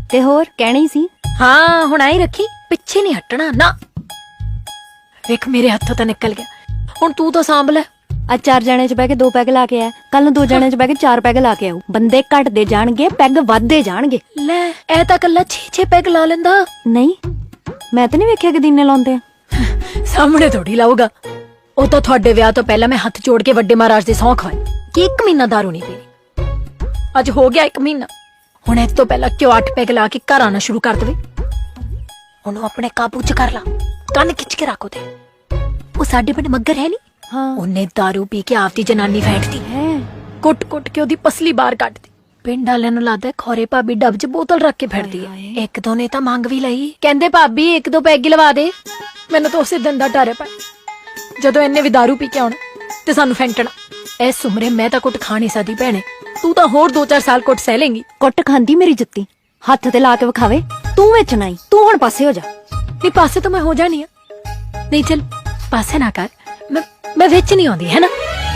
ਤੇ ਹੋਰ ਕਹਿਣਾ ਹੀ ਸੀ। ਹਾਂ ਹੁਣ ਆਈ ਰੱਖੀ, ਪਿੱਛੇ ਨਹੀਂ ਹਟਣਾ ਨਾ। ਵੇਖ ਮੇਰੇ ਹੱਥੋਂ ਤਾਂ ਨਿਕਲ ਗਿਆ, ਹੁਣ ਤੂੰ ਤਾਂ ਸਾਂਭ ਲੈ। ਅੱਜ 4 ਜਣੇ ਚ ਬਹਿ ਕੇ 2 ਪੈਗ ਲਾ ਕੇ ਆਇਆ, ਕੱਲ ਨੂੰ 2 ਜਣੇ ਚ ਬਹਿ ਕੇ 4 ਪੈਗ ਲਾ ਕੇ ਆਊ। ਬੰਦੇ ਘਟਦੇ ਜਾਣਗੇ, ਪੈਗ ਵੱਧਦੇ ਜਾਣਗੇ। ਲੈ ਇਹ ਤਾਂ ਕੱਲਾ 6 ਪੈਗ ਲਾ ਲੈਂਦਾ। ਨਹੀਂ ਮੈਂ ਤਾਂ ਨਹੀਂ ਵੇਖਿਆ ਕਿ ਦਿਨੇ ਲਾਉਂਦੇ ਆ। ਸਾਹਮਣੇ ਥੋੜੀ ਲਾਊਗਾ। ਉਹ ਤਾਂ ਤੁਹਾਡੇ ਵਿਆਹ ਤੋਂ ਪਹਿਲਾਂ ਮੈਂ ਹੱਥ ਜੋੜ ਕੇ ਵੱਡੇ ਮਹਾਰਾਜ ਦੀ ਸਹੁੰ ਖਵਾਈ ਕਿ 1 ਮਹੀਨਾ ਦਾਰੂ ਨਹੀਂ ਪੀਣੀ। ਅੱਜ ਹੋ ਗਿਆ 1 ਮਹੀਨਾ। ਹੁਣ ਇਸ ਤੋਂ ਪਹਿਲਾਂ ਕਿਉਂ 8 ਪੈਗ ਲਾ ਕੇ ਘਰ ਆਣਾ ਸ਼ੁਰੂ ਕਰ ਦੇਵੇ। ਉਹਨੂੰ ਆਪਣੇ ਕਾਬੂ ਚ ਕਰ ਲਾ, ਕੰਨ ਖਿੱਚ ਕੇ ਰੱਖ ਉਹਦੇ। ਉਹ ਸਾਡੇ ਪਿੰਡ ਮੱਗਰ ਹੈ ਨੀ, ਹਾਂ ਉਹਨੇ ਦਾਰੂ ਪੀ ਕੇ ਆਪਦੀ ਜਨਾਨੀ ਫੈਂਟਦੀ ਹੈ। ਕੁੱਟ-ਕੁੱਟ ਕੇ ਉਹਦੀ ਪਸਲੀ ਬਾਹਰ ਕੱਢਦੀ। ਪਿੰਡ ਵਾਲਿਆਂ ਨੂੰ ਲੱਗਦਾ ਖੋਰੇ ਭਾਬੀ ਡੱਬ 'ਚ ਬੋਤਲ ਰੱਖ ਕੇ ਫਿਰਦੀ ਹੈ। ਇੱਕ ਦੋ ਨੇ ਤਾਂ ਮੰਗ ਵੀ ਲਈ, ਕਹਿੰਦੇ ਭਾਬੀ 1-2 ਪੈਗ ਹੀ ਲਵਾ ਦੇ। ਮੈਨੂੰ ਤਾਂ ਉਸੇ ਦਿਨ ਦਾ ਡਰ ਹੈ ਜਦੋਂ ਇਹਨੇ ਵੀ ਦਾਰੂ ਪੀ ਕੇ ਆਉਣਾ ਤੇ ਸਾਨੂੰ ਫੈਂਟਣਾ। ਇਸ ਉਮਰੇ ਮੈਂ ਤਾਂ ਕੁੱਟ ਖਾ ਨਹੀਂ ਸਕਦੀ ਭੈਣੇ, ਤੂੰ ਤਾਂ ਹੋਰ 2-4 ਸਾਲ ਕੁੱਟ ਸਹਿ ਲੇਂਗੀ। ਕੁੱਟ ਖਾਂਦੀ ਮੇਰੀ ਜੁੱਤੀ, ਹੱਥ ਤੇ ਲਾ ਕੇ ਵਿਖਾਵੇ। ਤੂੰ ਵਿੱਚ ਨਹੀਂ, ਤੂੰ ਹੁਣ ਪਾਸੇ ਹੋ ਜਾ। ਨਹੀਂ ਪਾਸੇ ਤਾਂ ਮੈਂ ਹੋ ਜਾਣੀ ਆ। ਨਹੀਂ ਚੱਲ ਪਾਸੇ ਨਾ ਕਰ, ਮੈਂ ਵਿੱਚ ਨਹੀਂ ਆਉਂਦੀ ਹੈ ਨਾ।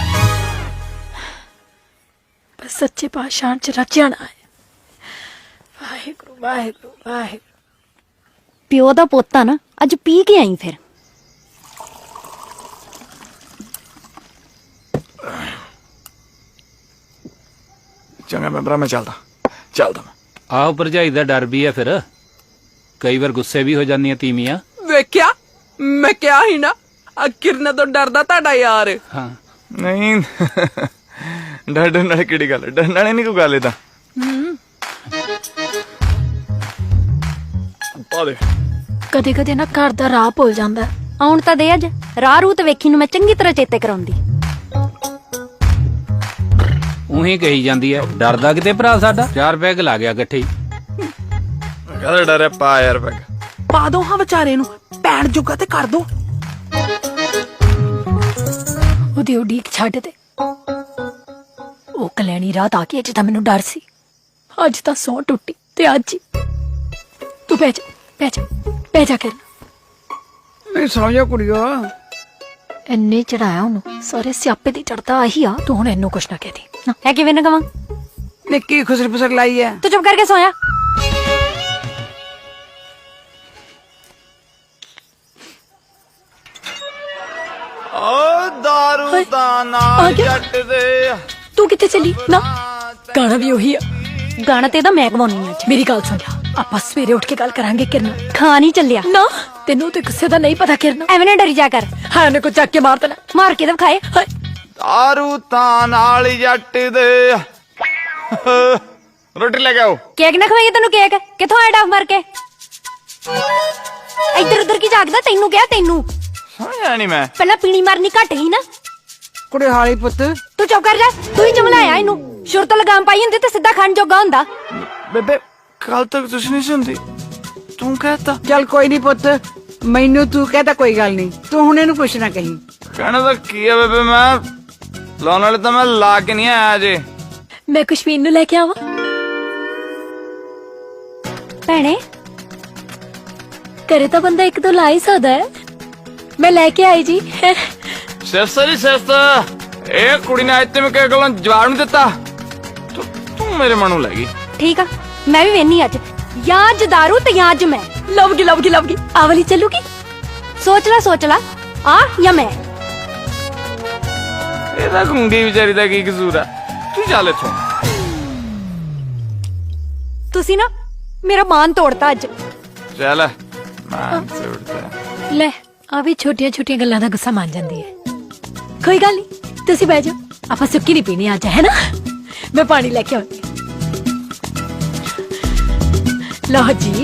ਬਸ ਸੱਚੇ ਪਾਤਸ਼ਾਹ ਚ ਰਚਿਆ ਨਾ ਹੈ। ਵਾਹਿਗੁਰੂ ਵਾਹਿਗੁਰੂ ਵਾਹਿਗੁਰੂ। ਪਿਓ ਦਾ ਪੋਤਾ ਨਾ, ਅੱਜ ਪੀ ਕੇ ਆਈ ਫਿਰ। ਚੰਗਾ ਮੈਂ ਭਰਾ, ਮੈਂ ਚੱਲਦਾ ਮੈਂ। ਆਹੋ ਭਰਜਾਈ ਦਾ ਡਰ ਵੀ ਹੈ, ਫਿਰ ਕਈ ਵਾਰ ਗੁੱਸੇ ਵੀ ਹੋ ਜਾਂਦੀਆਂ ਤੀਵੀਆਂ। ਵੇਖਿਆ ਮੈਂ ਕਿਹਾ ਹੀ ਨਾ, ਆ ਕਿਰਨ ਤੋਂ ਡਰਦਾ ਤੁਹਾਡਾ ਯਾਰ। ਹਾਂ ਨਹੀਂ ਡਰਨ ਵਾਲੀ ਕਿਹੜੀ ਗੱਲ, ਡਰਨ ਵਾਲੀ ਨਹੀਂ ਕੋਈ ਗੱਲ। ਇਹ ਤਾਂ ਪਾ ਦੇ। ਕਦੇ ਕਦੇ ਨਾ ਘਰ ਦਾ ਰਾਹ ਭੁੱਲ ਜਾਂਦਾ। ਆਉਣ ਤਾਂ ਦੇ ਅੱਜ, ਰਾਹ ਰੂਤ ਵੇਖੀ ਨੂੰ ਮੈਂ ਚੰਗੀ ਤਰ੍ਹਾਂ ਚੇਤੇ ਕਰਾਉਂਦੀ। ਉਹੀ ਕਹੀ ਜਾਂਦੀ ਹੈ, ਡਰਦਾ ਕਿਤੇ ਭਰਾ ਸਾਡਾ। 4 ਪੈਗ ਲਾ ਗਿਆ ਇਕੱਠੇ ਹੀ। ਕਾਹਦਾ ਡਰ ਹੈ, ਪਾ ਯਾਰ ਪੈਗ। ਪਾ ਦੋ ਹਾਂ ਵਿਚਾਰੇ ਨੂੰ, ਪੈਣ ਜੋਗਾ ਤੇ ਕਰ ਦੋ। ਉਹਦੀ ਉਡੀਕ ਛੱਡ ਦੇ। ਉਹ ਕਲੈਣੀ ਰਾਤ ਆ ਕੇ ਅੱਜ ਤਾਂ ਮੈਨੂੰ ਡਰ ਸੀ, ਅੱਜ ਤਾਂ ਸੌਂ ਟੁੱਟੀ ਤੇ ਅੱਜ ਹੀ। ਤੂੰ ਬਹਿ ਜਾ ਕਰ। ਨਹੀਂ ਸੌਂ ਜਾ ਕੁੜੀਓ। ਇੰਨੇ ਚੜਾਇਆ ਉਹਨੂੰ, ਸਾਰੇ ਸਿਆਪੇ ਦੀ ਚੜਦਾ ਆਹੀ ਆ। ਤੂੰ ਹੁਣ ਇਹਨੂੰ ਕੁਛ ਨਾ ਕਹਿ ਦੇ। ਹੈ ਕਿਵੇਂ ਨਾ ਕਵਾਂ? ਨਿੱਕੀ ਖੁਸਰ ਫਸਰ ਲਾਈ ਹੈ। ਤੂੰ ਚੁੱਪ ਕਰਕੇ ਸੋਇਆ। ਓ ਦਾਰੂ ਦਾ ਨਾਲ ਜੱਟ ਦੇ। ਤੂੰ ਕਿੱਥੇ ਚੱਲੀ? ਨਾ ਗਾਣਾ ਵੀ ਉਹੀ ਆ। ਗਾਣਾ ਤੇ ਇਹਦਾ ਮੈਂ ਗਵਾਉਣੀ ਅੱਜ। ਮੇਰੀ ਗੱਲ ਸੁਣ ਜਾ, ਆਪਾਂ ਸਵੇਰੇ ਉੱਠ ਕੇ ਗੱਲ ਕਰਾਂਗੇ ਕਿਰਨ। ਖਾ ਨਹੀਂ ਚੱਲਿਆ ਨਾ ਤੈਨੂੰ ਤੇ ਗੁੱਸੇ ਦਾ ਨਹੀਂ ਪਤਾ ਕਿਰਨ। ਐਵੇਂ ਨਾ ਡਰੀ ਜਾ ਕਰ। ਹਾਂ ਉਹਨੇ ਕੋ ਚੱਕ ਕੇ ਮਾਰ ਦੇਣਾ। ਮਾਰ ਕੇ ਤਾਂ ਵਿਖਾਏ। ਦਾਰੂ ਤਾਂ ਨਾਲ ਜੱਟ ਦੇ। ਰੋਟੀ ਲੈ ਕੇ ਆਓ। ਕੇਕ ਨਾ ਖਵਾਈਏ ਤੈਨੂੰ। ਕੇਕ ਕਿੱਥੋਂ ਆਇਆ ਡਾਫ ਮਾਰ ਕੇ? ਇੱਧਰ ਉੱਧਰ ਕੀ ਜਾਗਦਾ? ਤੈਨੂੰ ਕਿਹਾ, ਤੈਨੂੰ ਸਮਝਿਆ ਨਹੀਂ ਮੈਂ। ਪਹਿਲਾਂ ਪੀਣੀ ਮਾਰਨੀ ਘੱਟ ਹੀ ਨਾ। ਕੁੜੇ ਹਾਲੀ ਪੁੱਤ। ਤੂੰ ਚੁੱਪ ਕਰ ਜਾ। ਤੂੰ ਹੀ ਚਮਲਾਇਆ ਇਹਨੂੰ। ਸ਼ੁਰੂ ਤੋਂ ਲਗਾਮ ਪਾਈ ਹੁੰਦੀ ਤੇ ਸਿੱਧਾ ਖਾਣ ਜੋਗਾ ਹੁੰਦਾ। ਬੇਬੇ ਕੱਲ ਤੱਕ ਤੁਸੀਂ ਨਹੀਂ ਸੁਣਦੀ, ਤੂੰ ਕਹਤਾ। ਚੱਲ ਕੋਈ ਨਹੀਂ ਪੁੱਤ, ਮੈਨੂੰ ਤੂੰ ਕਹਤਾ ਕੋਈ ਗੱਲ ਨਹੀਂ। ਤੂੰ ਹੁਣ ਇਹਨੂੰ ਕੁਛ ਨਾ ਕਹੀਂ। ਕਹਿਣਾ ਤਾਂ ਕੀ ਹੈ ਬੇਬੇ, ਮੈਂ ਲਾਉਣ ਵਾਲੇ ਤਾਂ ਮੈਂ ਲਾ ਕੇ ਨਹੀਂ ਆਇਆ ਅਜੇ। ਮੈਂ ਕੁਸ਼ਵੀਨ ਨੂੰ ਲੈ ਕੇ ਆਵਾਂ? ਭੈਣੇ ਕਰੇ ਤਾਂ ਬੰਦਾ 1-2 ਲਾ ਹੀ ਸਕਦਾ ਹੈ। ਮੈਂ ਲੈ ਕੇ ਆਈ ਜੀ। ਸਿਰਸਾ ਜੀ ਸਿਰਸਾ, ਇਹ ਕੁੜੀ ਨੇ ਅੱਜ ਤੇ ਮੈਂ ਕਿਹ ਗੱਲਾਂ ਜਵਾਬ ਨਹੀਂ ਦਿੱਤਾ। ਤੂੰ ਮੇਰੇ ਮਨ ਨੂੰ ਲੈ ਗਈ। ਠੀਕ ਆ, ਮੈਂ ਵੀ ਵੇਨੀ ਅੱਜ। ਜਾਂ ਅੱਜ ਦਾਰੂ ਤੇ ਜਾਂ ਅੱਜ ਮੈਂ। ਲਵਗੀ ਆ ਵਾਲੀ ਚੱਲੂਗੀ। ਸੋਚ ਲਾ ਆ ਜਾਂ ਮੈਂ। ਇਹਦਾ ਗੁੰਗੀ ਵਿਚਾਰੀ ਦਾ ਕੀ ਕਸੂਰ ਆ? ਤੂੰ ਚੱਲ ਇੱਥੋਂ। ਤੁਸੀਂ ਨਾ ਮੇਰਾ ਮਾਨ ਤੋੜਤਾ ਅੱਜ। ਚੱਲ ਮਾਨ ਤੋੜਤਾ। ਲੈ ਆ ਵੀ ਛੋਟੀਆਂ ਗੱਲਾਂ ਦਾ ਗੁੱਸਾ ਮੰਨ ਜਾਂਦੀ ਹੈ। ਕੋਈ ਗੱਲ ਨਹੀਂ, ਤੁਸੀਂ ਬਹਿ ਜਾਓ। ਆਪਾਂ ਸੁੱਕੀ ਨਹੀਂ ਪੀਣੀ ਅੱਜ, ਹੈ ਨਾ? ਮੈਂ ਪਾਣੀ ਲੈ ਕੇ ਆਉਂਦੀ। ਲਓ ਜੀ।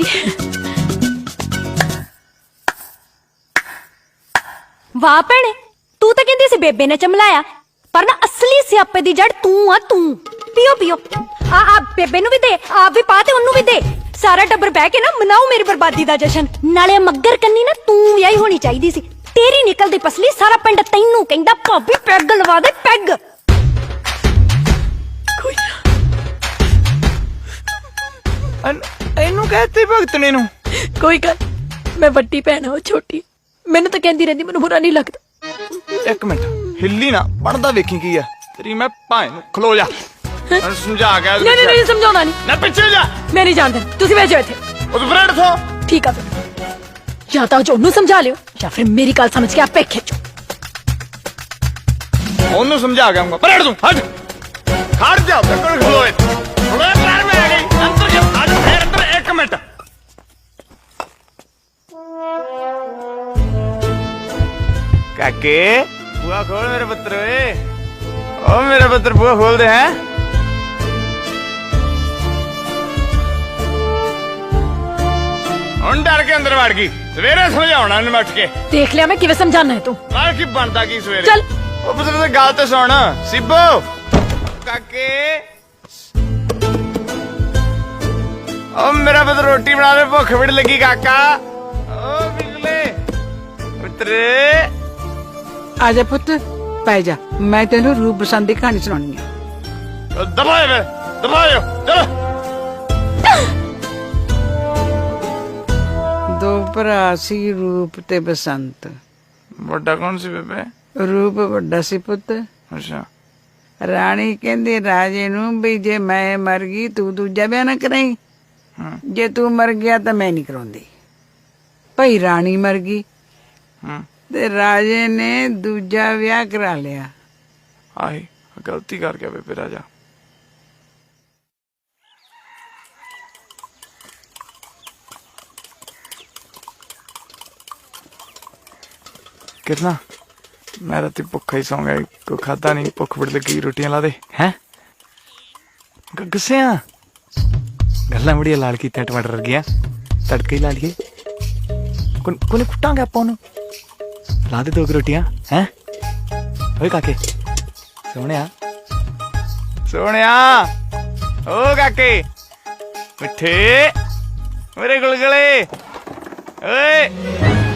ਵਾਹ ਭੈਣੇ, ਤੂੰ ਤਾਂ ਕਹਿੰਦੀ ਸੀ ਬੇਬੇ ਨੇ ਚਮਲਾਇਆ, ਪਰ ਨਾ ਅਸਲੀ ਸਿਆਪੇ ਦੀ ਜੜ ਤੂੰ ਆ ਤੂੰ। ਪੀਓ ਆ ਬੇਬੇ ਨੂੰ ਵੀ ਦੇ, ਆਪ ਵੀ ਪਾ ਤੇ ਉਹਨੂੰ ਵੀ ਦੇ। ਸਾਰਾ ਟੱਬਰ ਬਹਿ ਕੇ ਨਾ ਮਨਾਓ ਮੇਰੀ ਬਰਬਾਦੀ ਦਾ ਜਸ਼ਨ। ਨਾਲੇ ਮੱਗਰ ਕੰਨੀ ਨਾ ਤੂੰ ਵਿਆਹੀ ਹੋਣੀ ਚਾਹੀਦੀ ਸੀ। ਤੇਰੀ ਨਿਕਲਦੀ ਪਸਲੀ ਸਾਰਾ ਪਿੰਡ ਤੈਨੂੰ ਕਹਿੰਦਾ ਭਾਬੀ ਪੈਗ ਲਵਾ ਦੇ ਪੈਗ। ਇਹਨੂੰ ਕਹਤੇ ਭਗਤਣੇ ਨੂੰ। ਕੋਈ ਗੱਲ, ਮੈਂ ਵੱਡੀ ਭੈਣ ਹਾਂ, ਉਹ ਛੋਟੀ। ਮੈਨੂੰ ਤਾਂ ਕਹਿੰਦੀ ਰਹਿੰਦੀ, ਮੈਨੂੰ ਬੁਰਾ ਨਹੀਂ ਲੱਗਦਾ। ਇੱਕ ਮਿੰਟ ਹਿੱਲੀ ਨਾ, ਬਣਦਾ ਵੇਖੀ ਕੀ ਆ ਤੇਰੀ। ਮੈਂ ਭਾਵੇਂ ਨੂੰ ਖਲੋ ਜਾ। ਮੈਨੂੰ ਸਮਝਾ ਕੇ ਨਹੀਂ ਨਹੀਂ ਸਮਝਾਉਣਾ ਨਹੀਂ ਨਾ ਪਿੱਛੇ ਜਾ ਮੈਂ ਨਹੀਂ ਜਾਣਦਾ ਤੁਸੀਂ ਭੇਜੋ ਇੱਥੇ ਉਹ ਫਰੈਂਡ ਥੋ ਠੀਕ ਆ ਫਿਰ ਜਾਂ ਤਾਂ ਉਹਨੂੰ ਸਮਝਾ ਲਿਓ ਜਾਂ ਫਿਰ ਮੇਰੀ ਗੱਲ ਸਮਝ ਕੇ ਆਪੇ ਖਿੱਚੋ ਉਹਨੂੰ ਸਮਝਾ ਕੇ ਆਉਂਗਾ ਫਰੈਂਡ ਤੂੰ ਹਟ ਖੜ ਜਾ ਕੋਲ ਖਲੋਏ ਖਲੋਏ ਪ੍ਰਾਰ ਮੈਂ ਆ ਗਈ ਅੰਦਰ ਜਾ ਅੱਜ ਫੇਰ ਅੰਦਰ 1 ਮਿੰਟ ਕਾਕੇ ਬੂਆ ਖੋਲ ਮੇਰੇ ਪੁੱਤਰ ਓਏ ਓ ਮੇਰੇ ਪੁੱਤਰ ਬੂਆ ਖੋਲ ਦੇ ਹੈ ਹੁਣ ਡਰ ਕੇ ਅੰਦਰ ਵੜ ਗਈ ਸਵੇਰੇ ਸਮਝਾਉਣਾ ਇਹਨੂੰ ਉੱਠ ਕੇ ਦੇਖ ਲਿਆ ਮੈਂ ਕਿਵੇਂ ਸਮਝਾਣਾ ਹੈ ਤੂੰ ਮਾਰ ਕੀ ਬਣਦਾ ਕੀ ਸਵੇਰੇ ਚੱਲ ਉਹ ਪੁੱਤਰ ਤੇ ਗੱਲ ਤੇ ਸੁਣ ਸਿੱਬੋ ਕਾਕੇ ਓ ਮੇਰਾ ਪੁੱਤਰ ਰੋਟੀ ਬਣਾ ਦੇ ਭੁੱਖ ਬੜੀ ਲੱਗੀ ਕਾਕਾ ਓ ਬਿਗਲੇ ਪੁੱਤਰ ਆ ਜਾ ਪੁੱਤ ਪੈ ਜਾ ਮੈਂ ਤੈਨੂੰ ਰੂਪ ਬਸੰਤ ਦੀ ਕਹਾਣੀ ਸੁਣਾਉਣੀ ਆ ਦਬਾਏ ਵੇ ਦਬਾਇਓ ਚਲੋ ਦੋ ਭਰਾ ਸੀ ਰੂਪ ਤੇ ਬਸੰਤ ਵੱਡਾ ਕੌਣ ਸੀ ਬੇਬੇ ਰੂਪ ਵੱਡਾ ਸੀ ਪੁੱਤ ਅੱਛਾ ਰਾਣੀ ਕਹਿੰਦੀ ਰਾਜੇ ਨੂੰ ਵੀ ਜੇ ਮੈਂ ਮਰ ਗਈ ਤੂੰ ਦੂਜਾ ਵਿਆਹ ਨਾ ਕਰਾਈ ਜੇ ਤੂੰ ਮਰ ਗਿਆ ਤਾਂ ਮੈਂ ਨਹੀਂ ਕਰਾਉਂਦੀ ਭਈ ਰਾਣੀ ਮਰ ਗਈ ਹੂੰ ਤੇ ਰਾਜੇ ਨੇ ਦੂਜਾ ਵਿਆਹ ਕਰਾ ਲਿਆ ਆਹੀ ਗਲਤੀ ਕਰ ਗਿਆ ਬੇਬੇ ਰਾਜਾ ਕਿਰਨਾ ਮੈਂ ਰਾਤੀ ਭੁੱਖਾ ਹੀ ਸੌਂ ਗਿਆ ਕੋਈ ਖਾਦਾ ਨਹੀਂ ਭੁੱਖ ਬੜੀ ਲੱਗੀ ਰੋਟੀਆਂ ਲਾ ਦੇ ਹੈ ਗੁੱਸਿਆ ਗੱਲਾਂ ਬੜੀਆਂ ਲਾਲ ਕੀਤੀਆਂ ਟਮਾਟਰ ਵਰਗੀਆਂ ਤੜਕੇ ਹੀ ਲਾ ਲਈਏ ਕੋਨੇ ਕੁੱਟਾਂਗੇ ਆਪਾਂ ਉਹਨੂੰ ਲਾ ਦੇ 2 ਰੋਟੀਆਂ ਹੈ ਓਏ ਕਾਕੇ ਸੋਹਣਿਆ ਸੋਹਣਿਆ ਓ ਕਾਕੇ ਮਿੱਠੇ ਮੇਰੇ ਗੁਲਗਲੇ ਓਏ